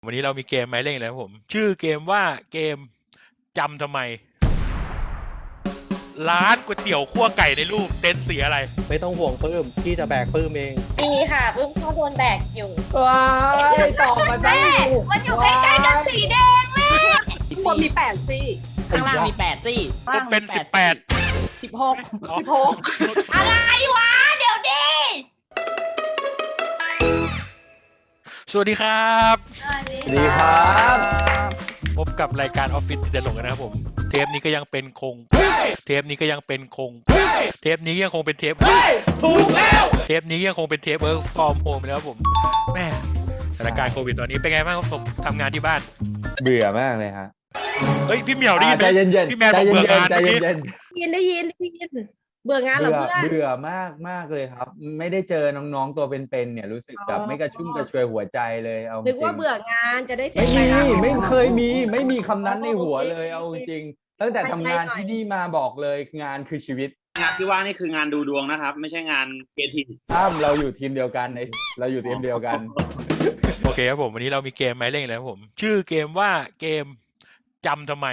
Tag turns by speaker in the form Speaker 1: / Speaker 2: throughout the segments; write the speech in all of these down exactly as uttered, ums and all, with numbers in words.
Speaker 1: วันนี้เรามีเกมมาให้เล่นแล้วผมชื่อเกมว่าเกมจำทำไมร้านก๋วยเตี๋ยวคั่วไก่ในรูปเต็นท์สีอะไร
Speaker 2: ไม่ต้องห่วงปื้มพี่จะแบกปื้มเอง
Speaker 3: ดีค่ะปื้มเขาโดนแบกอยู่
Speaker 4: ว้ายตอบมาได้
Speaker 3: มันอยู่ใกล้ๆกับสีแดงแม่
Speaker 4: ข้างบนมีแปดซี่
Speaker 5: ข้างล่างมีแปดซี่
Speaker 1: ก็เป็นสิบแปด
Speaker 4: สิบหกสิบหก
Speaker 3: อะไรวะเดี๋ยวดิ
Speaker 1: สวัสดีครับ
Speaker 3: สวัสดี
Speaker 4: ครับ
Speaker 1: พบกับรายการออฟฟิศเดลงกันนะครับผมเทปนี้ก็ยังเป็นคงเทปนี้ก็ยังเป็นคงเทปนี้ยังคงเป็นเทป
Speaker 4: ถูกแล้ว
Speaker 1: เทปนี้ยังคงเป็นเทปเวิร์กฟอร์มโฮมแล้วครับผมแม่สถานการณ์โควิดตอนนี้เป็นไงบ้างครับผมทำงานที่บ้าน
Speaker 6: เบื่อมากเลยฮะ
Speaker 1: เฮ้ยพี่เหมียวได้ยินไหม
Speaker 6: ใจเย็นๆ
Speaker 1: พี่แมนบอกเบื่องาน
Speaker 6: ใจเย็น
Speaker 4: ได้ยินได้ยินได้ยินเบื่องานเหรอเพื่อน
Speaker 6: เบื่อมากมากเลยครับไม่ได้เจอน้องๆตัวเป็นๆเนี่ยรู้สึกแบบไม่กระชุ่มกระชวยหัวใจเลยเอาจริง
Speaker 4: นึกว่าเบื่องานจะได้เสร็จ
Speaker 6: ไม่มีไม่เคยมีไม่มีคำนั้นในหัวเลยเอาจริงตั้งแต่ทำงานที่นี่มาบอกเลยงานคือชีวิต
Speaker 5: งานที่ว่านี่คืองานดูดวงนะครับไม่ใช่งานเกมทีม
Speaker 6: อ้ามเราอยู่ทีมเดียวกันในเราอยู่ทีมเดียวกัน
Speaker 1: โอเคครับผมวันนี้เรามีเกมมาให้เล่นแล้วผมชื่อเกมว่าเกมจำทำไม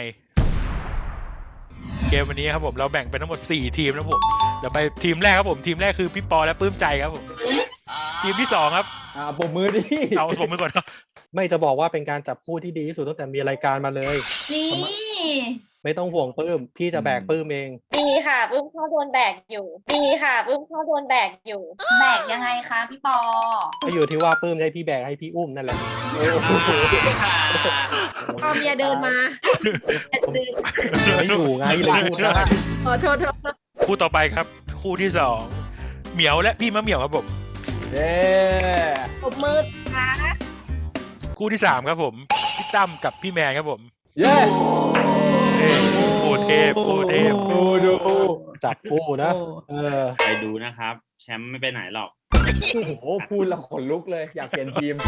Speaker 1: เกมวันนี้ครับผมเราแบ่งเป็นทั้งหมดสี่ทีมนะผมเราไปทีมแรกครับผมทีมแรกคือพี่ปอและปื้มใจครับผมทีมที่สองครับ
Speaker 6: อ่าปมมือดิ
Speaker 1: เอาปมมือก่อนครับ
Speaker 2: ไม่จะบอกว่าเป็นการจับคู่ที่ดีที่สุดตั้งแต่มีรายการมาเลย
Speaker 3: นี่
Speaker 2: ไม่ต้องห่วงปื้มพี่จะแบกปื้มเอง
Speaker 3: ดีค่ะปื้มเขาโดนแบกอยู่ดีค่ะปื้มเขาโดนแบกอยู่แบกยังไงคะพี่ปอ
Speaker 2: ก็อยู่ที่ว่าปื้มให้พี่แบกให้พี่อุ้มนั่นแหละ
Speaker 4: พอเมียเดินมา
Speaker 2: ไม่อยู่ไงเลยพูดนะ
Speaker 4: ขอโทษโทษ
Speaker 1: คู่ต่อไปครับคู่ที่สองเหมียวและพี่มะเหมียวครับผม
Speaker 6: เย้
Speaker 4: ปรบมือนะ
Speaker 1: คู่ที่สามครับผมพี่ตั้มกับพี่แมนครับผม
Speaker 6: เย้
Speaker 1: โอ้เทพโอ้เทพ
Speaker 6: ดูดู
Speaker 2: จับคู่นะเออ
Speaker 5: ไปดูนะครับแชมป์ไม่ไปไหนหรอก
Speaker 6: โอ้โหพูดแล้วขนลุกเลยอยากเปลี่ยนทีม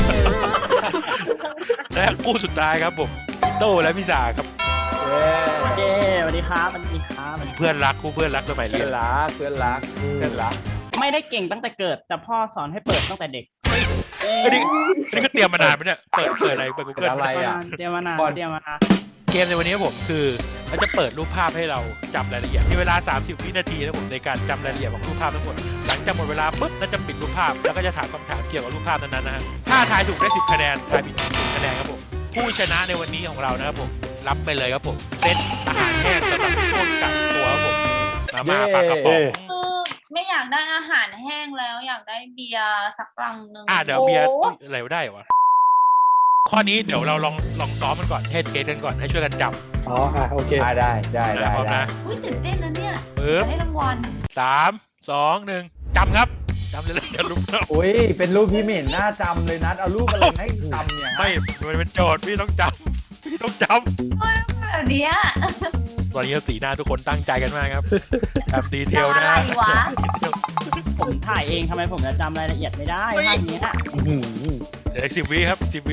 Speaker 1: และคู่สุดท้ายครับผมโต้และพี่สาครับ
Speaker 5: เย้สวัสดีครับสวัสดีครับ
Speaker 1: เพื่อนรักคู่เพื่อนรักสมัยเรียน
Speaker 6: เพื่อนรักเพื่อนรักเพื่อนรัก
Speaker 5: ไม่ได้เก่งตั้งแต่เกิดแต่พ่อสอนให้เปิดตั้งแต่เด็ก
Speaker 1: อันนี้นี่ก็เตรียมมานานไหมเนี่ยเปิดเปิดอะไรเปิดกูเกิล
Speaker 6: อะไรอ่ะ
Speaker 5: เตรียมมานานเตรียมมานาน
Speaker 1: เกมในวันนี้ผมคือเราจะเปิดรูปภาพให้เราจำรายละเอียดมีเวลาสามสิบวินาทีนะผมในการจำรายละเอียดของรูปภาพทั้งหมดหลังจากหมดเวลาปุ๊บเราจะปิดรูปภาพแล้วก็จะถามคำถามเกี่ยวกับรูปภาพนั้นๆนะฮะถ้าทายถูกได้สิบคะแนนทายผิดสิบคะแนนครับผมผู้ชนะในวันนี้ของเรานะครับผมรับไปเลยครับผมเซตอาหารแห้งสำหรับช่วงกักตัวครับผมมาม่าปลากระป๋อง
Speaker 3: คือไม่อยากได้อาหารแห้งแล้วอยากได้เบียร์สักลังหนึ่ง
Speaker 1: อ่ะเดี๋ยวเบียร์อะไรได้วะข้อนี้เดี๋ยวเราลองลองซ้อมมันก่อนเทสเทสกันก่อนให้ช่วยกันจำ
Speaker 2: อ๋ออ่ะโอเค
Speaker 6: ได้ได้ได้ได้
Speaker 1: พร้อมนะ
Speaker 3: อุ้ยตื่นเต้นนะเนี่ย
Speaker 1: ได้
Speaker 3: รางวัล
Speaker 1: สามสองหนึ่งจำครับจำเลยเลยอย่าลุกนะ
Speaker 6: อุ้ยเป็นรูปที่ไม่เห็นหน้าจำเลยนัดเอารูปอะไรให้จำเนี่ย
Speaker 1: ไม่มันเป็นโจทย์พี่ต้องจำพี่ต้องจ
Speaker 3: ำเฮ้ยแบบนี้
Speaker 1: ตอนนี้สีหน้าทุกคนตั้งใจกันมากครับแบบดีเทลนะ
Speaker 3: อะไรวะ
Speaker 5: ผมถ่ายเองทำไมผมจะจำรายละเอียดไม่ได้ภาพนี้อ่ะ
Speaker 1: เดี๋ยวสิบวิครับสิบวิ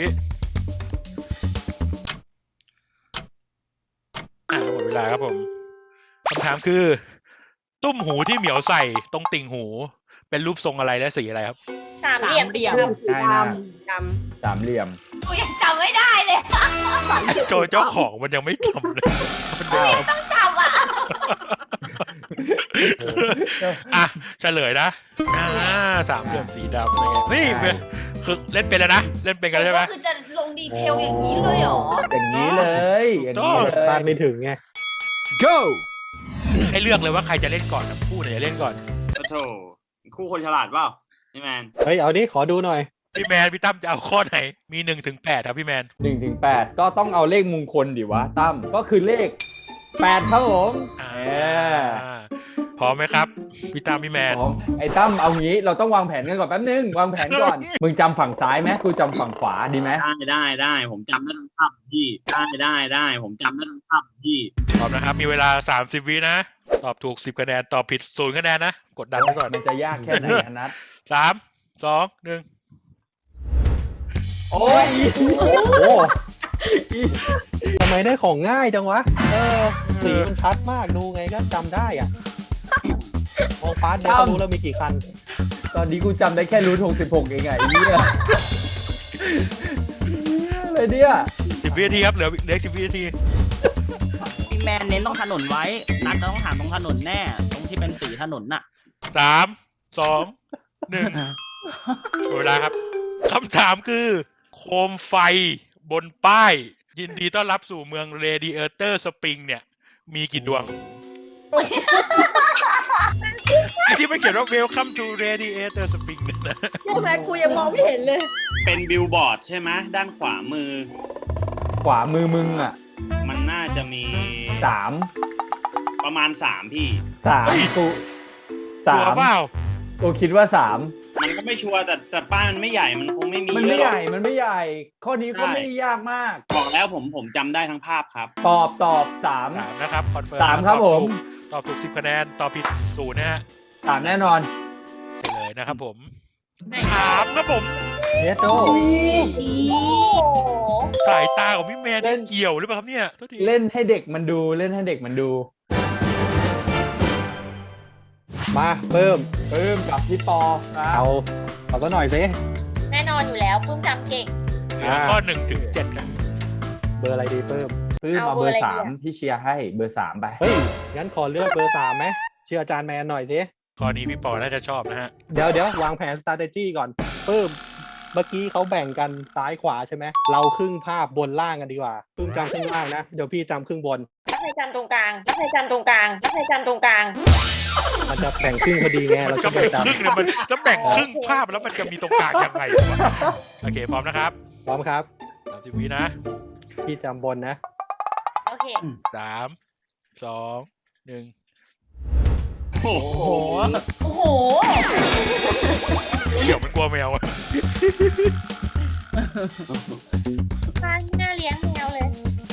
Speaker 1: อ่ะหมดเวลาครับผมคำถามคือตุ้มหูที่เหมียวใส่ตรงติ่งหูเป็นรูปทรงอะไรและสีอะไรครับ
Speaker 3: สามเหลี่ยม
Speaker 4: เหลี่ยมสีดำด
Speaker 6: ำสามเหลี่ยม
Speaker 3: กูยังจำไม่ได้เลย
Speaker 1: โจเจ้าของมันยังไม่จำเลย
Speaker 3: กูยังต้องจำอ่ะ
Speaker 1: อ่ะเฉลยนะอ่าสามเหลี่ยมสีดำนี่คือเล่นเป็นแล้วนะเล่นเป็นกันใช่ไหม
Speaker 3: คือจะลงดีเทลอย่างนี้เลยเหรอ
Speaker 6: อย่างนี้เลยอย่างนี้เลย
Speaker 2: คาดไม่ถึงไง
Speaker 1: go ให้เลือกเลยว่าใครจะเล่นก่อนนะคู่ไหนจะเล่นก่อน
Speaker 5: โอ้โหคู่คนฉลาดเปล่าพี่แมน
Speaker 2: เฮ้ยเอาดิขอดูหน่อย
Speaker 1: พี่แมนพี่ตั้มจะเอาข้อไหนมีหนึ่งถึงแปดครับพี่แมน
Speaker 6: หนึ่งถึงแปดก็ต้องเอาเลขมงคลดิวะตั้มก็คือเลขแปดครับผม
Speaker 1: พร้อมไหมครับพี่ตั้มพี่แมน
Speaker 6: ไอ้ตั้มเอางี้เราต้องวางแผนกันก่อนแป๊บนึงวางแผนก่อนมึงจำฝั่งซ้ายไหมกูจำฝั่งขวาดีไหม
Speaker 5: ได้ได้ได้ผมจำได้ทั้งภาพพี่ได้ได้ได้ผมจำได้ทั้งภาพพี่
Speaker 1: พร้อมนะครับมีเวลาสามสิบวินะตอบถูกสิบคะแนนตอบผิดศูนย์คะแนนนะกดดันไว้ก่อน
Speaker 6: มันจะยากแค่ไหนนัด
Speaker 1: สามสองหนึ่ง
Speaker 6: โอ้ย
Speaker 2: โอ้ทำไมได้ของง่ายจังวะเออสีมันชัดมากดูไงก็จำได้อ่ะมองฟ้าเดี๋ยวก็รู้แล้วมีกี่คัน
Speaker 6: ตอนนี้กูจำได้แค่รูทหกสิบหกเองไงนี่แหละเลยเนี่ย
Speaker 1: สิบวินาทีครับเหลือเหลือสิบวินาที
Speaker 7: พี่แมนเน้นตรงถนนไว้นัดจะต้องถามตรงถนนแน่ ตรงที่เป็นสีถนนน่ะ
Speaker 1: สามสองหนึ่งหมดเวลาครับคำถามคือ โคมไฟบนป้าย ยินดีต้อนรับสู่เมืองเรดิเอเตอร์สปริงเนี่ย มีกี่ดวงไอ้ที่ไม่เขียนว่า Welcome to Radiator Spring เนี่ยนะ
Speaker 4: ใช่ไหมกูยังมองไม่เห็นเลย
Speaker 5: เป็นบิลบอร์ดใช่ไหมด้านขวามือ
Speaker 6: ขวามือมึงอ่ะ
Speaker 5: มันน่าจะมี
Speaker 6: สาม
Speaker 5: ประมาณสามพี่
Speaker 6: สามกู
Speaker 1: ตั
Speaker 6: สาว ม
Speaker 1: เปล่า
Speaker 6: กูคิดว่าสาม
Speaker 5: มันก็ไม่ชัวร์แต่แต่ป้ายมันไม่ใหญ่มันคงไม่มี
Speaker 6: มันไม่
Speaker 5: เยอะ
Speaker 6: ใหญ่มันไม่ใหญ่ ข้อนี้ก็ไม่ได้ยากมาก
Speaker 5: บอกแล้วผมผมจำได้ทั้งภาพครับ
Speaker 6: ตอบตอบสาม
Speaker 1: สามนะครับคอนเฟิร์ม
Speaker 6: สามครับผม
Speaker 1: ตอบถูกสิบคะแนนตอบผิดศูนย์นะฮะ
Speaker 6: สามแน่นอน
Speaker 1: ไปเลยนะครับผมถามครับผม
Speaker 2: เนโด
Speaker 3: โอ้โห
Speaker 1: สายตาของพี่แมนเนี่ยเกี่ยวหรือเปล่าครับเนี่ยโทษที
Speaker 6: เล่นให้เด็กมันดูเล่นให้เด็กมันดู
Speaker 2: มาเพิ่ม
Speaker 6: ปลื้มกับพี่ปอครับ
Speaker 2: เอาเอาซะหน่อยสิ
Speaker 3: แน่นอนอยู่แล้วปลื้มจำเก่ง
Speaker 1: เหลือข้อหนึ่งถึงเจ็ดครับ
Speaker 2: เบอร์อะไรดีเพิ่ม
Speaker 6: ปลื้ม
Speaker 3: เอา
Speaker 6: เอาเบอ
Speaker 3: เบอร์
Speaker 6: ร์
Speaker 3: อะไร
Speaker 6: สาม
Speaker 3: ดีอะ
Speaker 6: พี่เชียร์ให้เบอร์สามไป
Speaker 2: เฮ้ย งั้นขอเลือกเบอร์สามไหมเชื่ออาจารย์แมนหน่อยสิ
Speaker 1: ข้อนี้พี่ปอน่าจะชอบนะฮะ
Speaker 2: เดี๋ยวเดี๋ยววางแผน strategy ก่อนเพิ่มเมื่อกี้เขาแบ่งกันซ้ายขวาใช่ไหม เราครึ่งภาพบนล่างกันดีกว่าเพิ่มจำครึ่งล่างนะ เดี๋ยวพี่จำครึ่งบน
Speaker 3: แล้วใครจำตรงกลางแล้วใครจำตรงกลางแล้วใครจำตรงกลาง
Speaker 2: มันจะแบ่งครึ่งพอดีไง
Speaker 1: มัน
Speaker 2: เรา
Speaker 1: จะ
Speaker 2: จะ
Speaker 1: แบ่
Speaker 2: ไม่
Speaker 1: งครึ่ง
Speaker 2: จำ
Speaker 1: เนี่ยมันจะแบ่งครึ่งภาพแล้วมันจะมีตรงกลางยังไงวะโอเคพร้อมนะครับ
Speaker 2: พร้อมครับ
Speaker 1: สามสิบวินะ
Speaker 2: พี่จำบนนะ
Speaker 3: โอเค
Speaker 1: สามสองหนึ่ง
Speaker 5: โอ้โห
Speaker 3: โอ้โห
Speaker 1: เดี๋ยวมันกลัวแมวอะ
Speaker 3: บ้านไม่น่าเลี้ยงแมวเลย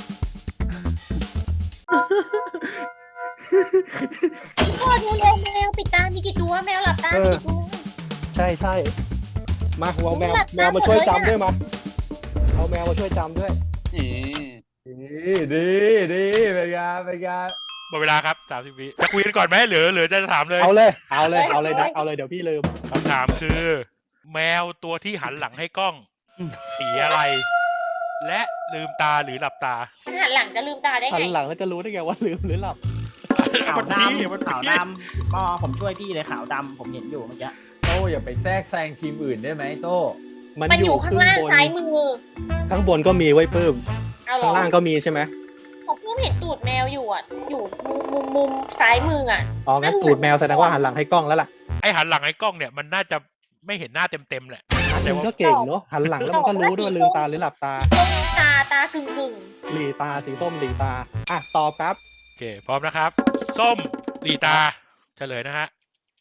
Speaker 3: พ่อดูแลแมวปิดตา มีกี่ตัวแมวหลับตา มีกี่ตัว
Speaker 2: ใช่ใช่มาเอาแมว
Speaker 3: หลับตา
Speaker 2: แมวมาช่วย
Speaker 3: หมดเลย
Speaker 2: จำ
Speaker 3: อะ
Speaker 2: ด้วยมาเอาแมวมาช่วยจำด้วย
Speaker 5: เอ๊ะ
Speaker 6: ดีดีดีเป็นไงเป็นไง
Speaker 1: หมดเวลาครับสามสิบวิจะคุยกันก่อนไหมหรือหรือจะถามเลย
Speaker 2: เอาเลย เอาเลย เอาเลยนะเอาเลยเดี๋ยวพี่ลืม
Speaker 1: คำถามคือ แมวตัวที่หันหลังให้กล้องสีอะไร และลืมตาหรือหลับตา
Speaker 3: มันหันหลังจะลืมตาได้
Speaker 2: หั
Speaker 3: ไง
Speaker 2: นหลังแล้วจะรู้ได้ไงว่าลืมหรือหลับ
Speaker 7: ขาว
Speaker 1: มัน
Speaker 7: ด
Speaker 1: พี่มัน
Speaker 7: ำขาว
Speaker 1: พี่
Speaker 7: ดำปอผมช่วยพี่เลยขาวดำผมเห็นอยู่เมื่อกี้
Speaker 6: โต้อย่าไปแทรกแซงทีมอื่นได้ไหมโต้
Speaker 2: มัน
Speaker 3: มัน
Speaker 2: อ
Speaker 3: อยู่ ยู่ข้างล่าง
Speaker 2: ครึ่บน
Speaker 3: ซ้ายมือ
Speaker 2: ข้างบนก็มีไว้เพิ่ม
Speaker 3: เอาเหร
Speaker 2: ข้า
Speaker 3: อง
Speaker 2: ล่างก็มีใช่ไหม
Speaker 3: ผมเพิ่งเห็นตูดแมวอยู่อ่ะ อยู่มุมมุมมุมซ้ายมืออ่ะ
Speaker 2: อ๋องั้นตูดแมวแสดงว่าหันหลังให้กล้องแล้วล่ะ
Speaker 1: ไอหันหลังให้กล้องเนี่ยมันน่าจะไม่เห็นหน้าเต็มๆแหละ
Speaker 2: อัน
Speaker 1: แต่
Speaker 2: นี้
Speaker 1: ว่า
Speaker 2: ก็เก่งเนาะหันหลังแล้วมันก็รู้ด้วยว่าลืมตาหรือหลับตา
Speaker 3: ตาตากึ่งกึ่ง
Speaker 2: หลีตาสีส้มหลีตาอ่ะตอบครับ
Speaker 1: โอเคพร้อมนะครับ ส้มหลีตาเฉลยนะฮะ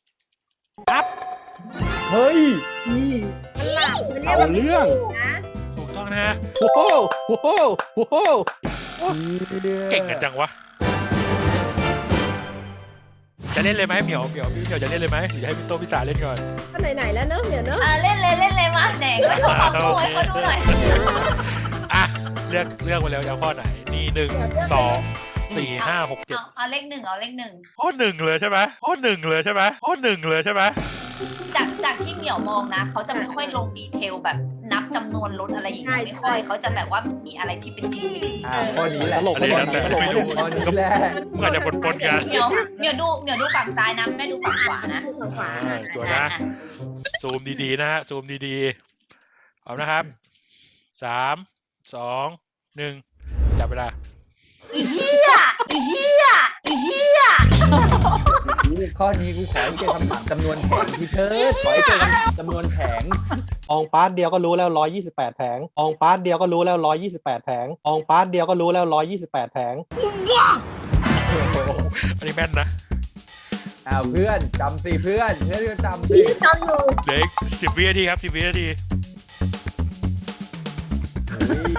Speaker 6: เฮ้ย
Speaker 4: มันหลับมันเรีย
Speaker 2: เอา
Speaker 4: กว่า
Speaker 2: เรื่อง
Speaker 4: นะ
Speaker 1: ถูกต้องนะฮะ
Speaker 2: โอ้โหโอ้โหโอ้โห
Speaker 1: เก่งกันจังวะ จะเล่นเลยไหมเหมียวเหมียวพี่เหมียวจะเล่นเลยไหมหรือจะให้พี่โตพี่สาเล่นก่อน
Speaker 4: ก็ไหนๆแล้วเนอะเดี๋ยวเนอะ
Speaker 3: อ่าเล่นเลยเล่นเลยมาไหนก็ชอบความโวยเขาดูหน่อย
Speaker 1: อ่ะเลือกเลือกมาแล้วจะเอาข้อไหนนี่หนึ่งสองสี่ห้าหกเจ็ด
Speaker 3: เอาเอาเลขหนึ่งเอาเลขหนึ่ง
Speaker 1: ข้อหนึ่งเลยใช่ไหมข้อหนึ่งเลยใช่ไหมข้อหนึ่งเลยใช่ไหม
Speaker 8: จากจากที่เหมียวมองนะเขาจะไม่ค่อยลงดีเทลแบบนับจำนวนรถอะไรอย่างเงี้ยไม่ค่อยเขาจะแบบว่ามีอะไรที่เป็นจริง
Speaker 6: อ่าข้อนี้แหละ
Speaker 2: ตลก
Speaker 1: อะไร
Speaker 2: ตลก
Speaker 1: นะแต่
Speaker 2: ตลก
Speaker 1: ไม่
Speaker 2: เนี่ย
Speaker 1: รู้
Speaker 6: ข้อนี้แหละ
Speaker 1: เมื่อจะปนปนๆกัน
Speaker 8: เหมียวเหมียวดูเหมียวดูฝั่งซ้ายนะไม่ดูฝั่งขวานะ
Speaker 4: ฝั่งขวา
Speaker 1: อ่าตัวนะ
Speaker 8: อ่ะ
Speaker 1: ซูมดีๆนะฮะซูมดีๆเอานะครับสามสองหนึ่งจับเวลา
Speaker 8: อีเฮียอีเฮียอีเฮีย
Speaker 6: ข้อนี้กูขอให้เจอคำถามจำนวนแผงที่เธอขอให้เจอจำนวนแผง
Speaker 2: อองปาร์ตเดียวก็รู้แล้วร้อยยี่สิบแปดแผงอองปาร์ตเดียวก็รู้แล้วร้อยยี่สิบแปดแผงอองปาร์ตเดียวก็รู้แล้วร้อยยี่สิบแปดแผง
Speaker 1: อันนี้แม่นนะ
Speaker 6: อ้าวเพื่อนจำสิเพื่อนเพื่อนก็จำสิ
Speaker 4: พี่จำอยู่
Speaker 1: เหลืออีกสิบวินาทีครับสิบวินาที
Speaker 6: เฮ้ย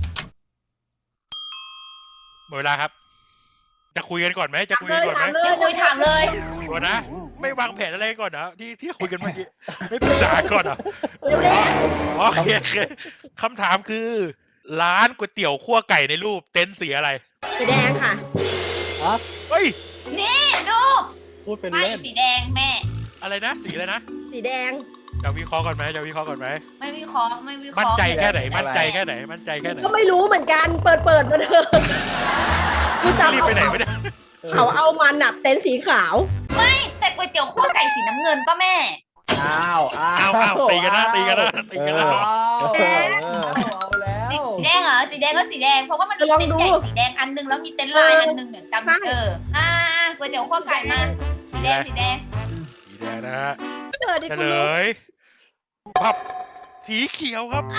Speaker 1: หมดเวลาครับ จะคุยกันก่อนไหมจะคุย
Speaker 4: เล
Speaker 1: กัน
Speaker 4: ย
Speaker 1: ก่อนไหม
Speaker 4: ถามเลย
Speaker 8: จะคุยถามเลย
Speaker 1: ก่อนนะ ไม่วางแผนอะไรก่อนนะที่ที่คุยกันเมื่อกี้ไม่ปรึกษาก่อนเหรอ่ะ
Speaker 4: เร็ว
Speaker 1: โอเคโอเคคำถามคือ ร้านก๋วยเตี๋ยวคั่วไก่ในรูปเต็นท์สีอะไร
Speaker 4: ๆสีแดงค่ะ
Speaker 1: เฮ้ย
Speaker 8: นี่ดู
Speaker 2: พูดเป็น
Speaker 8: ไม่
Speaker 2: เล่น
Speaker 8: สีแดงแม่
Speaker 1: อะไรนะสีอะไรนะ
Speaker 4: สีแดง
Speaker 1: จะวิเคราะห์ก่อนไหมจะวิเคราะห์ก่อนไหม
Speaker 8: ไม่วิเคราะห์ไม่วิเคราะห์
Speaker 1: มั่นใจแค่ไหน
Speaker 8: เลย
Speaker 1: มั่นใจแค่ไหนมั่นใจแค่ไหน
Speaker 4: ก็ไม่รู้เหมือนกัน เปิดเปิดมาเถอะกูจำ
Speaker 1: รีบ
Speaker 4: เอา
Speaker 1: ไปไหนไม่ได้
Speaker 4: เขาเอามาหนับเต็นท์สีขาว
Speaker 8: แต่ก๋วยเตี๋ยวคั่วไก่สีน้ำเงินป่ะแม่
Speaker 6: อ้าวอ้าว
Speaker 1: อ้าวอ้าวตีกันนะตีกันนะตีกันนะ
Speaker 6: อ้าว
Speaker 2: เออ
Speaker 6: เอาแล้ว
Speaker 8: สีแดงเหรอสีแดงก็สีแดงเพราะว่ามันมี
Speaker 4: ลอง
Speaker 8: เต็น
Speaker 4: ดู
Speaker 8: ท์ใหญ่สีแดงอันหนึงแล้วมีเต็นท์ลายอันหนึงเหมือนกัน
Speaker 4: ใช่
Speaker 8: เอออ่าก๋วยเตี๋ยวคั่วไก่มาสีแดงสีแดง
Speaker 1: สีแดงนะฮะ
Speaker 4: เปิดดิ
Speaker 1: เฉ
Speaker 4: คุณ
Speaker 1: ล
Speaker 4: รู้
Speaker 1: ยปั๊บสีเขียวครับ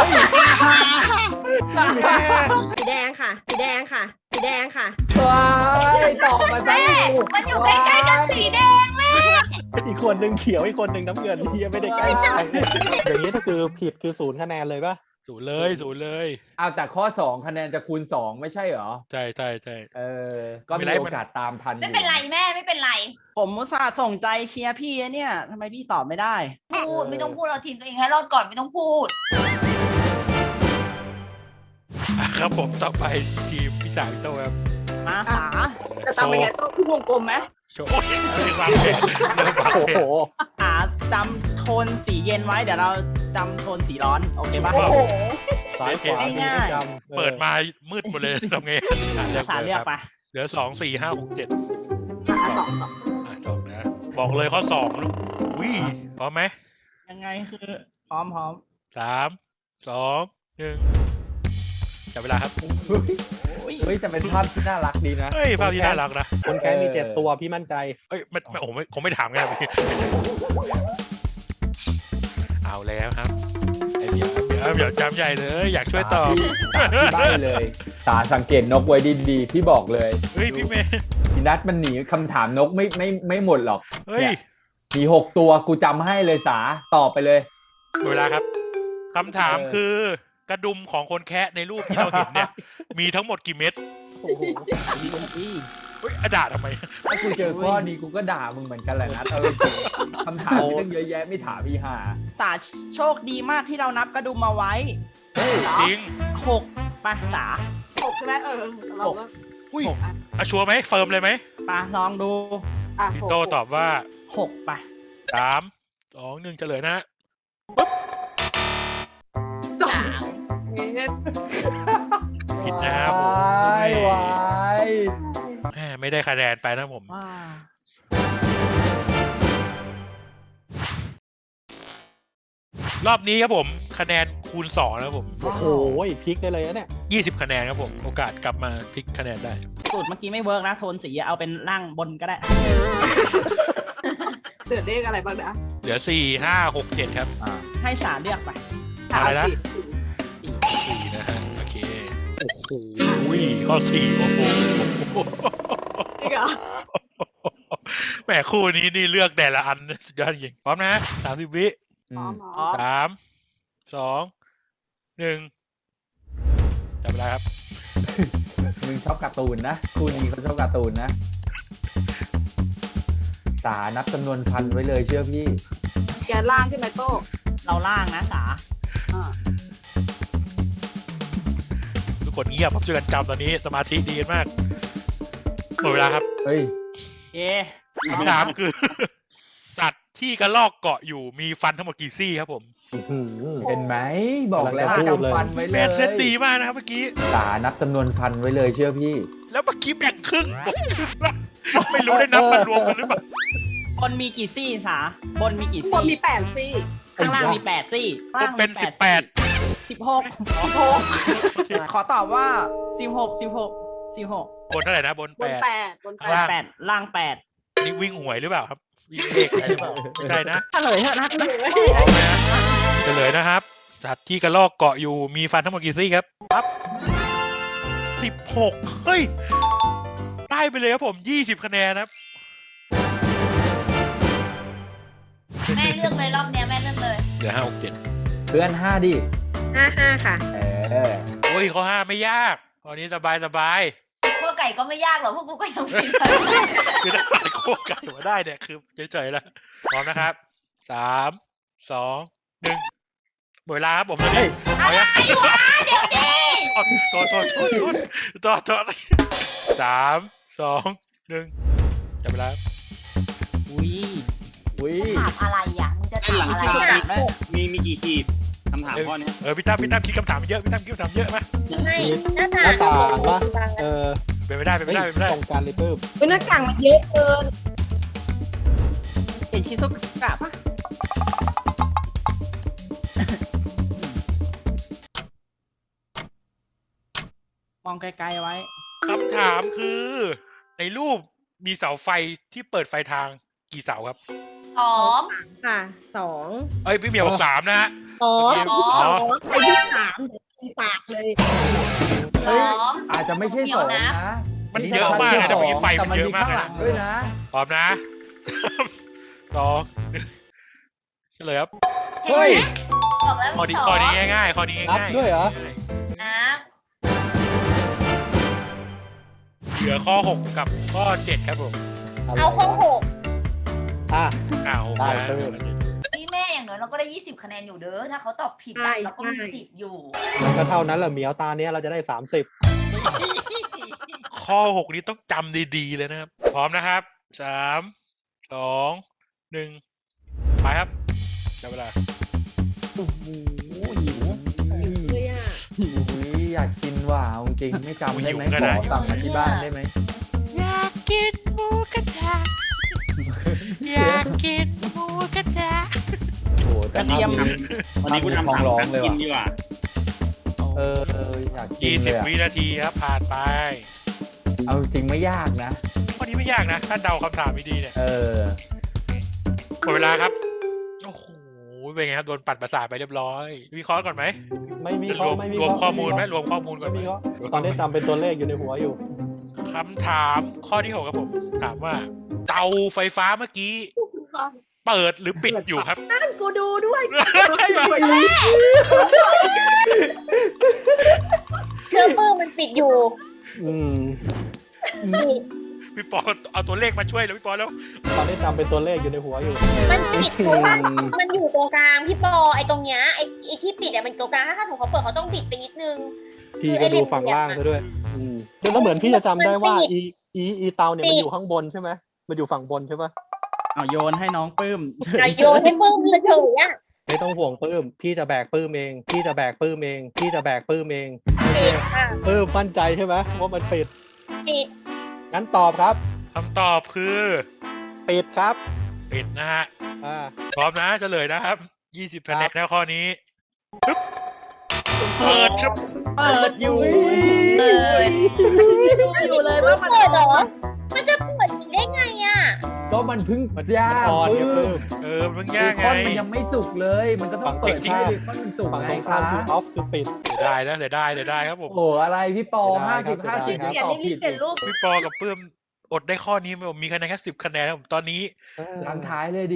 Speaker 4: สีแดงค่ะ สีแดงค่ะ สีแดงค่ะ
Speaker 6: ว้ายตอบมาซะ
Speaker 8: แม่มันอยู่ใกล้ๆกันสีแดงแม่
Speaker 2: อีกคนหนึ่งเขียวอีกคนหนึ่งน้ำเงินนี่ยังไม่ได้ใกล้ชิดอย่างนี้ก็คือผิดคือศูนย์คะแนนเลยป่ะ
Speaker 1: ศูนย์เลยศูนย์เลย
Speaker 6: เอาแต่ข้อสองคะแนนจะคูณสองไม่ใช่เหรอ
Speaker 1: ใช่ใช่ใช่
Speaker 6: เออ ก็
Speaker 1: ไม่
Speaker 6: มี
Speaker 1: เป็นไร
Speaker 6: โอกาสตามทันอยู่
Speaker 8: ไม่เป็นไรแม่ไม่เป็นไร
Speaker 7: ผมอุตส่าห์ส่งใจเชียร์พี่นะเนี่ยทำไมพี่ตอบไม่ได้
Speaker 8: พูดไม่ต้องพูดเราทีมตัวเองให้รอดก่อนไม่ต้องพูด
Speaker 1: อ่ะครับผมต่อไปทีมพี่สาวพี่โต้ครับ
Speaker 7: มา
Speaker 4: อ่ะ
Speaker 7: หา
Speaker 4: จะทำยังไงต้องขึ้นวงกลมไหม
Speaker 1: โชว์โอ้ยเรื่องวางแผนเรื่องวาง
Speaker 2: โอ้
Speaker 1: แผ
Speaker 2: โห
Speaker 1: น
Speaker 7: หาจำโทนสีเย็นไว้เดี๋ยวเราจำโทนสีร้อน โอเคปะ
Speaker 1: โอ้โห
Speaker 2: ซ้ายขวามี
Speaker 7: ง่าย
Speaker 2: ประจำออ
Speaker 1: เปิดมามืดหมดเลยทำไงอ่ะเลือก
Speaker 7: สาร
Speaker 1: เล
Speaker 7: เลื
Speaker 1: ย
Speaker 7: อก
Speaker 1: ครับ
Speaker 7: ไป
Speaker 1: เหลือสองสี่ห้าหกเจ็ด
Speaker 4: อ่ะสองสอง
Speaker 1: อ่ะสองนะบอกเลยข้อสองลูกวิพร้อมไหม
Speaker 7: ยังไงคือ พร้อมพร้อม
Speaker 1: สามสองหนึ่งจับเวลาครับ
Speaker 6: เฮ้ยแต่เป็นภาพที่น่ารักดีนะ
Speaker 1: เฮ้ยภาพที่น่ารักนะ
Speaker 2: คนแค้นมีเจ็ดตัวพี่มั่นใจ
Speaker 1: เอ้ยไม่ไม่โอ้ไม่คงไม่ถามกันพี่เอาแล้วครับไอเดี๋ยวเดี๋ยวเดี๋ยวจำใหญ่เลยอยากช่วยตอบ
Speaker 6: ได้เลยตาสังเกตนกไว้ดีๆที่บอกเลย
Speaker 1: เฮ้ยพี่เมย์
Speaker 6: พี่นัทมันหนีคำถามนกไม่ไม่ไม่หมดหรอก
Speaker 1: เฮ้ย
Speaker 6: นี่มีหกตัวกูจำให้เลยสาตอบไปเลย
Speaker 1: หมดเวลาครับคำถามคือกระดุมของคนแคะในรูปที่เราเห็นเนี่ย มีทั้งหมดกี่เม็ด
Speaker 2: โอ้โห
Speaker 1: เฮ้ยอะด่าทำไม
Speaker 6: ถ้ากูเจอข้อนี้กูก็ด่ามึงเหมือนกันแหละนะเอาจริงๆคำถามมีตั้งเยอะแยะไม่ถามพี่หา
Speaker 7: สาโชคดีมากที่เรานับกระดุมมาไว้
Speaker 1: จริง
Speaker 7: หกไปสา
Speaker 4: หกใช่ไหมเออเราก็
Speaker 1: อุ้ยอะชัวร์ไหมเฟิร์มเลยไหม
Speaker 7: ไปลองดู
Speaker 4: อ่ะ
Speaker 1: พี่
Speaker 4: หก
Speaker 1: โตตอบว่า
Speaker 7: หกไป
Speaker 1: สามสองหนึ่งเฉลยนะ
Speaker 4: สองเมตร
Speaker 1: ผิดนะครับผม
Speaker 6: วายวาย
Speaker 1: แหมไม่ได้คะแนนไปนะผม
Speaker 7: ว้า
Speaker 1: รอบนี้ครับผมคะแนนคูณสองนะครับผม
Speaker 2: โอ้โหพลิกได้เลยนะเนี่ย
Speaker 1: ยี่สิบคะแนนครับผมโอกาสกลับมาพลิกคะแนนได้
Speaker 7: สูตรเมื่อกี้ไม่เวิร์กนะ โทนสีเอาเป็นล่างบนก็ได้
Speaker 4: เหลือเลขอะไรบ้างนะ
Speaker 1: เหลือสี่ห้าหกเจ็ดครับ
Speaker 6: อ่า
Speaker 7: ให้สาเลือกไป
Speaker 1: อะไรนะ
Speaker 4: สี่
Speaker 1: สี่นะฮะโอเคโอ้โหข้อสี่โอ้โห
Speaker 4: นี่เหรอ
Speaker 1: แหมคู่นี้นี่เลือกแต่ละอันสุดยอดจริงพร้อมนะสามสิบวิ
Speaker 6: อื
Speaker 4: อ๋อ
Speaker 6: ม
Speaker 4: หมอ
Speaker 7: อ๋อ
Speaker 1: สามสองหนึ่งจับเวลาครับ
Speaker 6: มึงชอบการ์ตูนนะคู่นี้เขาชอบการ์ตูนนะสานับจำนวนพันไว้เลยเชื่อพี่
Speaker 4: แกนล่างใช่ไหมโต้
Speaker 7: เราล่างนะสา
Speaker 4: อ่า
Speaker 1: ทุกคนเงียบผมช่วยกันจำตอนนี้สมาธิดีกันมากหมดเวลาครับ
Speaker 6: เฮ้ย
Speaker 7: เอ๊ะ
Speaker 1: คำถามคือ สัตว์ที่กระลอกเกาะอยู่มีฟันทั้งหมดกี่ซี่ครับผม
Speaker 2: อื้อหือ
Speaker 6: เห็นไหมบอกแล้ว
Speaker 2: กำลังจะพูดเลย
Speaker 6: จำฟันไว้เล
Speaker 1: แม
Speaker 6: ย
Speaker 1: นเซตดีมากนะครับเมื่อกี้
Speaker 6: สานับจำนวนพันไว้เลยเชื่อพี่
Speaker 1: แล้วเมื่อกี้แบ่งครึ่งบอกครึ่งละไม่รู้ได้นับมันรวมกันหรือเปล่า
Speaker 7: บนมีกี่ซี่สาบนมีกี่
Speaker 4: บน
Speaker 7: ซี่
Speaker 4: มีแปดซี่
Speaker 7: ข้างล่างมีแปดซี่
Speaker 1: ก็เป็นสิบแปด
Speaker 7: สิบหกสิบหกขอตอบว่าสิบหกสิบหกสิบหก
Speaker 1: บนเท่าไหร่นะบน
Speaker 4: บ
Speaker 1: แป
Speaker 4: น
Speaker 1: ด
Speaker 4: แปดบนแป
Speaker 1: ข้าง
Speaker 4: ด
Speaker 1: ล่าง
Speaker 7: แปดล่างแปด
Speaker 1: นี่วิ่งหวยหรือเปล่าครับวิ่งเลขอะไรหรือเปล่าไม่ใช่นะ
Speaker 7: เฉลยเถอะนะ
Speaker 1: พร้อมนะเฉลยนะครับ สัตว์ที่กระลอกเกาะอยู่มีฟันทั้งหมดกี่ซี่ครับครับสิบหกเฮ้ยได้ไปเลยครับผมยี่สิบคะแนนครับ
Speaker 8: แม่เลือกเลยรอบเนี้ยแม่เลือกเลย
Speaker 1: เหลือห้าหกเจ็ด
Speaker 6: เพื่อนห้าดิ
Speaker 4: ห้าห้าค่ะ
Speaker 6: เออ
Speaker 1: โอ้ยข้อห้าไม่ยากข้อนี้สบายสบาย
Speaker 8: คั่วไก่ก็ไม่ยากหรอกพวกกูก็ยังผิดเลย
Speaker 1: คือถ้าผ่านโคกไก่มาได้เนี่ยคือเฉยๆแล้วพร้อมนะครับสามสองหนึ่งหมดเวลาครับผมตอนนี้เอายัง
Speaker 8: วะเดี๋ยวดิ
Speaker 1: โทษโทษโทษโทษโทษโทษสามสองหนึ่งจับเวลาครับ
Speaker 7: อุ้ย
Speaker 6: อุ้ย
Speaker 8: ถามอะไรอ่ะมึงจะ
Speaker 5: ส้นหลัง
Speaker 7: อะไร
Speaker 5: คา
Speaker 7: ที่แบบ
Speaker 5: มีมีกี่ขีดคำถามข้อนี้
Speaker 1: เออพี่ตั้มพี่ตั้มคิดคำถามเยอะพี่ตั้มคิดคำถามเยอะมา
Speaker 3: ไม่หน้า
Speaker 2: ห
Speaker 3: ต่า
Speaker 2: น้าง ต่างวะเออ
Speaker 1: เป็นไม่ได้เป็น
Speaker 2: เฮ้
Speaker 1: ไม่
Speaker 2: ย
Speaker 1: ได้เป็นไม่ได้
Speaker 2: ตรงกันเลยปื้ม
Speaker 4: เป็นหน้ากากมันเยอะเกินเห็นชิซุกะปะ
Speaker 7: มองไกลๆไว้
Speaker 1: คำถามคือ ในรูปมีเสาไฟที่เปิดไฟทางกี่เสาครับ
Speaker 3: สอง
Speaker 4: ค่ะสอง
Speaker 1: เอ้ยพี่เหมียวบอกสามนะฮะ
Speaker 4: สอง
Speaker 1: อ๋อ
Speaker 4: สองไอ้ที่สามเดี๋ยวตีปากเลย
Speaker 3: สอง
Speaker 6: อาจจะไม่ใช่สองนะ
Speaker 1: มันเยอะมากเลยนะเมื่อกี้ไฟ
Speaker 6: แต่
Speaker 1: มันเยอะมาก
Speaker 6: ข้าง
Speaker 1: เลย
Speaker 6: หลั
Speaker 1: นะ
Speaker 6: งด้วยนะ
Speaker 1: พร้อมนะสองเฉลยครับ
Speaker 3: เฮ้ยบอกแล้ว
Speaker 1: ข้อ
Speaker 3: มี
Speaker 1: นี้
Speaker 3: สอง
Speaker 1: ข้อนี้ง่ายๆข้อนี้
Speaker 2: นับ
Speaker 1: ง่าย
Speaker 2: ด้วยเหรอ
Speaker 3: นะ
Speaker 1: เหลือข้อหกกับข้อเจ็ดครับผม
Speaker 3: เอาข้อหก
Speaker 2: อ่ะ
Speaker 1: อ้าว
Speaker 2: ได้
Speaker 1: นะ
Speaker 2: เพิ่ม
Speaker 8: พี่แม่อย่างน้อยเราก็ได้ยี่สิบคะแนนอยู่เด้อถ้าเขาตอบผิดอะเราก็มีสิทธิ์อยู่
Speaker 2: มันก็เท่านั้นแหละเหมียวตาเนี้ยเราจะได้สามสิบ
Speaker 1: ข้อหกนี้ต้องจำดีๆเลยนะครับ พร้อมนะครับสามสองหนึ่งไปครับจับเวลา
Speaker 6: โอ้โหหิว
Speaker 4: เลยอ่ะ
Speaker 6: หิวอยากกินว่ะเอาจริงไม่จำได้ไหมขอสั่งมาที่บ้านได้ไหม
Speaker 1: อยากกินหมูกระทะอยากกินหมูกระทะ
Speaker 6: โอ้โหแต่ภาพนี้
Speaker 5: วันนี้กูทำ
Speaker 6: ท้อง
Speaker 5: ถาม
Speaker 6: ร้อง
Speaker 5: นัก
Speaker 6: เลย
Speaker 5: กิ
Speaker 6: ว่ะ
Speaker 5: นดีกว่า
Speaker 6: เออเอออยากกิน
Speaker 1: ยี่
Speaker 6: เล
Speaker 1: สิบ
Speaker 6: ยอะ
Speaker 1: วินาทีครับผ่านไป
Speaker 6: เอาจริงไม่ยากนะ
Speaker 1: ข้อนี้ไม่ยากนะ ถ้าเดาคำถามไม่ดีเนี่ย
Speaker 6: เออ
Speaker 1: หมดเวลาครับ โอ้โห เป็นไงครับ โดนปัดประสาทไปเรียบร้อย วิเคราะห์ก่อนไหม
Speaker 2: ไม่มี
Speaker 1: ร
Speaker 2: ข้อ
Speaker 1: วม
Speaker 2: ไม่มี
Speaker 1: รวมข้อมูลไหม
Speaker 2: ไ
Speaker 1: รวมข้อมูลก่อนไหม
Speaker 2: ม่มีข้อตอนนี้จำเป็นตัวเลขอยู่ในหัวอยู่
Speaker 1: คำถามข้อที่หกครับผม ถามว่า เตาไฟฟ้าเมื่อกี้ เปิดหรือปิดอยู่ครับ
Speaker 4: นั่นกูดูด้วย
Speaker 1: ใช่ไหม
Speaker 3: เชื่อปื้มมันปิดอยู่
Speaker 2: อืม
Speaker 1: พี่ปอเอาตัวเลขมาช่วยเลยพี่ปอแล้ว
Speaker 2: ตอนนี้จำเป็นตัวเลขอยู่ในหัวอยู่
Speaker 3: มันปิดเพราะว่ามันอยู่ตรงกลางพี่ปอไอ้ตรงเนี้ยไอ้ไอ้ที่ปิดอะมันตรงกลางถ้าสมมติเขาเปิดเขาต้องปิดไปนิดนึง
Speaker 2: พี่ก็ดูฝั่งล่างซะด้วย อืมแล้วเหมือนพี่จะจำได้ว่า อีอีอีเตาเนี่ยมันอยู่ข้างบนใช่ไหมมันอยู่ฝั่งบนใช่ปะ
Speaker 7: เอาโยนให้น้องปื้ม
Speaker 3: อย่าโยนให้ปื้มเลยเฉยอะ
Speaker 2: ไม่ต้องห่วงปื้ม พี่จะแบกปื้มเอง พี่จะแบกปื้มเอง พี่จะแบกปื้มเอง
Speaker 3: ปิดค่ะ
Speaker 2: ปื้มมั่นใจใช่ไหมว่ามันปิด
Speaker 3: ปิด
Speaker 2: งั้นตอบครับ
Speaker 1: คำตอบคือ
Speaker 2: ปิดครับ
Speaker 1: ปิดนะฮะ
Speaker 2: อ่า
Speaker 1: พร้อมนะเฉลยนะครับ ยี่สิบคะแนนแล้วข้อนี้ปึ๊บเปิดครับ
Speaker 7: เปิดอยู่
Speaker 3: เปิด
Speaker 4: ดูอยู่เลยว่ามัน
Speaker 3: เปิดเหรอ มันจะเปิดได้ไงอะ
Speaker 6: ก็มันเพิ่ง
Speaker 2: มัน
Speaker 6: ย่าง
Speaker 2: อ่อน
Speaker 6: ปื้
Speaker 2: เนี่ยปื้
Speaker 6: ม
Speaker 2: ม
Speaker 1: เออมัน
Speaker 6: เบ
Speaker 1: ยาก
Speaker 6: ค
Speaker 1: ไง
Speaker 6: อนมันยังไม่สุกเลย มันก็ต้องเปิด
Speaker 2: จริงๆ
Speaker 6: ให้เบคอนมันสุก
Speaker 2: ฝั่ง
Speaker 6: ไง
Speaker 2: ตรง
Speaker 6: ค
Speaker 2: ข้าม
Speaker 6: รับ
Speaker 2: คือออฟคือปิด
Speaker 1: เสียดายนะเสียดายเสียดายครับผม
Speaker 6: โอ้โหอะไรพี่ปอ
Speaker 2: เสี
Speaker 6: ห้าย สิบ
Speaker 2: ดา
Speaker 6: ห้าย สิบ
Speaker 2: ครับ
Speaker 6: ตอบ
Speaker 4: รี
Speaker 6: ผิ
Speaker 4: บ
Speaker 6: ด
Speaker 4: ๆเปลี่ยนรูป
Speaker 1: พี่ปอกับเพิ่มอดได้ข้อนี้ไหมผมมีคะแนนแค่สิบคะแนนครับผมตอนนี้
Speaker 6: หลังท้ายเลยดิ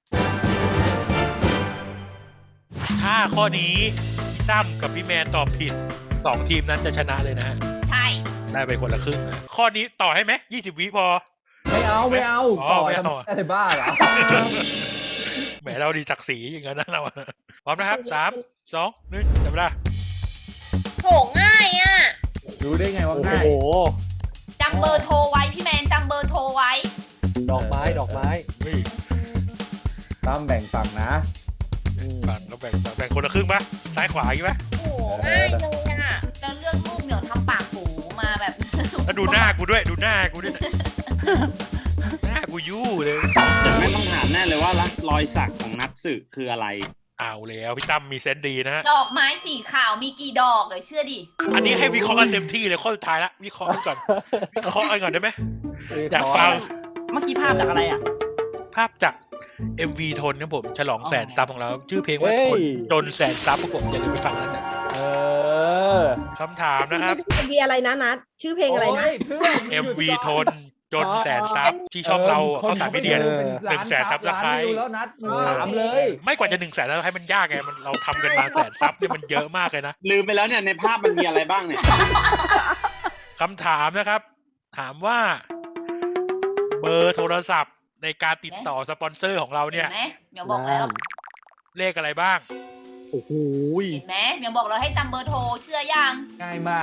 Speaker 1: ถ้าข้อนี้พี่ตั้มกับพี่แมนตอบผิดสองทีมนั้นจะชนะเลยนะฮะ
Speaker 8: ใช่
Speaker 1: ได้ไปคนละครึ่งนะข้อนี้ต่อให้ไหมยี่สิบวิพอ
Speaker 6: ไม่เอาไม่เอา
Speaker 1: อ๋อ
Speaker 6: ต่อ
Speaker 1: ไม่
Speaker 6: ทำ
Speaker 1: เอา
Speaker 6: อะไรบ้าเหรอ
Speaker 1: แหมเราดีจักสีอย่างนั้นนะเราอะพร้อมนะครับสามสองหนึ่งจับเวลา
Speaker 3: โหง่ายอะ
Speaker 6: รู้ได้ไงว่า
Speaker 2: โอ้
Speaker 6: ง่าย
Speaker 2: โห
Speaker 8: จำเบอร์โทรไว้พี่แมนจำเบอร์โทรไว้
Speaker 2: ดอกไม้ ดอกไม้
Speaker 1: เฮ้ย
Speaker 6: ตั้มแบ่งฝั่งนะ
Speaker 2: อืม
Speaker 1: ฝั่งเราแบ่งแบ่งคนละครึ่งปะซ้ายขวาอย่างงี้ปะ
Speaker 3: โหง่ายเลยอะ
Speaker 8: แล้วเลือกรูปเหมียวทำปากหูมาแบบ
Speaker 1: แล้วดูหน้ากูด้วยดูหน้ากูด้วยนะหน้ากูยู่เลย
Speaker 5: แต่ไม่ต้องถามแน่เลยว่ารอยสักของนักสืบคืออะไร
Speaker 1: เอาแล้วพี่ตั้มมีเซนส์ดีนะฮะ
Speaker 8: ดอกไม้สีขาวมีกี่ดอกเลยเชื่อดิ
Speaker 1: อันนี้ให้วิเคราะห์กันเต็มที่เลยข้อสุดท้ายละวิเคราะห์กันก่อนวิเคราะห์กันก่อนได้ไหมอยากฟัง
Speaker 7: เมื่อกี้ภาพจากอะไรอ่ะ
Speaker 1: ภาพจาก เอ็ม วี ทนครับผมฉลองแสนซับของเรา ชื่อเพลงว่า
Speaker 2: เฮ้ย
Speaker 1: ทนจนแสนซับครับผมอย่าลืมไปฟังนะจ๊ะ
Speaker 2: เออ
Speaker 1: คำถามนะครับ
Speaker 4: เอ็มวีอะไรนะนัดชื่อเพลงอะไรนะ
Speaker 6: โยเพื่อน
Speaker 1: เอ็ม วี ทนจนแสนซับที่ช่องเราเข้าสามมีเดีย
Speaker 2: เออ
Speaker 1: หนึ่งแสนซับสไครบ์
Speaker 6: ล้านวิวแล้วนัด
Speaker 2: เออ
Speaker 6: ถามเลย
Speaker 1: ไม่กว่าจะหนึ่งแสนแล้วให้มันยากไงมันเราทำกันมาแสนซับเนี่ยมันเยอะมากเลยนะ
Speaker 5: ลืมไปแล้วเนี่ยในภาพมันมีอะไรบ้างเนี่ย
Speaker 1: คำถามนะครับ ถามว่า เบอร์โทรศัพท์ในการติดต่อสปอนเซอร์ของเรา
Speaker 8: เห็
Speaker 1: เนี่ย
Speaker 8: นไหมเหมียวบอกแล้ว
Speaker 1: เลขอะไรบ้าง
Speaker 2: โอ้โห
Speaker 8: เห็นไหมเหมียวบอกเราให้จำเบอร์โทรเชื่อยัง
Speaker 6: ง่ายมาก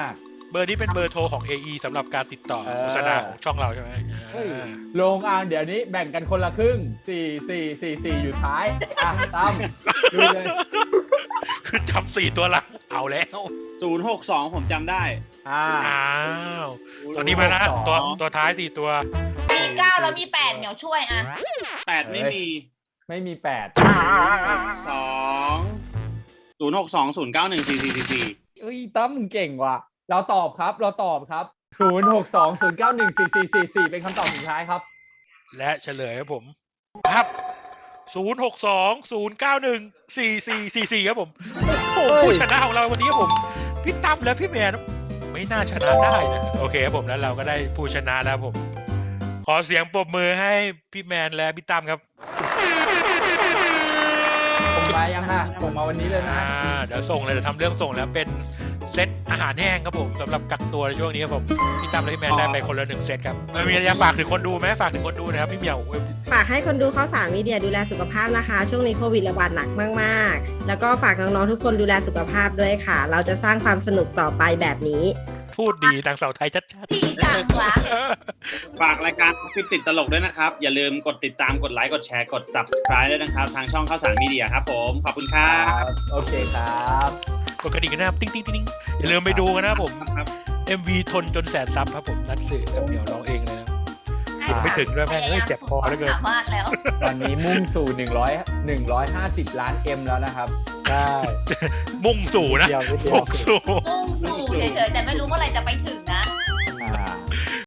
Speaker 1: เบอร์นี้เป็นเบอร์โทรของ เอ อี สำหรับการติดต่อ
Speaker 6: เออ
Speaker 1: โฆษณาของช่องเราใช่ไหม
Speaker 6: เฮ้ย
Speaker 1: อ่า
Speaker 6: ลงอ่างเดี๋ยวนี้แบ่งกันคนละครึ่งสี่สี่สี่สี่อยู่ท้ายอ่ะตั้มดูเลย
Speaker 1: คือจำสี่ตัวหลังเอาแล้ว
Speaker 5: ศูนย์หกสองผมจำได้
Speaker 6: อ่า
Speaker 1: อ้าวตอนนี้มานะตัวตัวท้ายสี่ตัว
Speaker 8: มีเก้าแล้วมีแปดเหมียวช่วยอ่ะ
Speaker 5: แปดไม่มี
Speaker 6: ไม่มีแปด
Speaker 5: สองศูนย์หกสองศูนย์เก้าหนึ่งสี่สี่สี่สี่
Speaker 6: เอ้ยตั้มมึงเก่งว่ะเราตอบครับเราตอบครับศูนย์หกสองศูนย์เก้าหนึ่งสี่สี่สี่สี่เป็นคำตอบสุดท้ายครับ
Speaker 1: และเฉลยครับผมครับศูนย์หกสองศูนย์เก้าหนึ่งสี่สี่สี่สี่ครับผมโอ้โห
Speaker 6: เฮ้ย
Speaker 1: ผู้ชนะของเราวันนี้ครับผมพี่ตั้มและพี่แมนไม่น่าชนะได้นะโอเคครับผมแล้วเราก็ได้ผู้ชนะแล้วผม ขอเสียงปรบมือให้พี่แมนและพี่ตั้มครับ
Speaker 6: ผมมายังฮะผมมาวันนี้เลยนะ
Speaker 1: อ่าเดี๋ยวส่งเลยเดี๋ยวทำเรื่องส่งแล้วเป็นเซตอาหารแห้งครับผมสำหรับกักตัวในช่วงนี้ครับผมพี่ตั้มและพี่แมนได้ไปคนละหนึ่งเซตครับมันมีอะไรจะฝากถึงคนดูไหมฝากถึงคนดูนะครับพี่เหมียว
Speaker 9: ฝากให้คนดูข้าวสารมีเดียดูแลสุขภาพนะคะ ช่วงนี้โควิดระบาดหนักมากๆ แล้วก็ฝากน้องๆทุกคนดูแลสุขภาพด้วยค่ะ เราจะสร้างความสนุกต่อไปแบบนี้
Speaker 1: พูดดีดังเสาไทยชัด
Speaker 8: ดีจังวะ
Speaker 1: ๆ
Speaker 5: ฝากรายการฟิตติดตลกด้วยนะครับ อย่าลืมกดติดตามกดไลค์กดแชร์กด subscribe ด้วยนะครับ ทางช่องข้าวสารมีเดียครับผม ขอบคุณครั
Speaker 6: ครับ บโอเคครับ
Speaker 1: กดกระดิ่งกันนะครับติ๊งติ๊งติ๊งอย่าลืมไปดูกันนะครับผม
Speaker 5: ครับ
Speaker 1: เอ็ม วี ทนจนแสนซับครับผมนัดสื่อกับเหมียวร้องเองเลยนะ ไม่ถึงด้วยแม่งเอ้ยเจ็บคอเหลือเกิน
Speaker 8: สามารถแล้ว
Speaker 6: วันนี้มุ่งสู่หนึ่งร้อย หนึ่งร้อยห้าสิบล้านเอ็มแล้วนะครับ
Speaker 2: ใช่
Speaker 1: มุ่งสู่นะ
Speaker 2: เดียวนิดเดียว
Speaker 1: มุ่งสู่
Speaker 8: มุ่งสู่เฉยๆแต่ไม่รู้เมื่อไหรจะไปถึง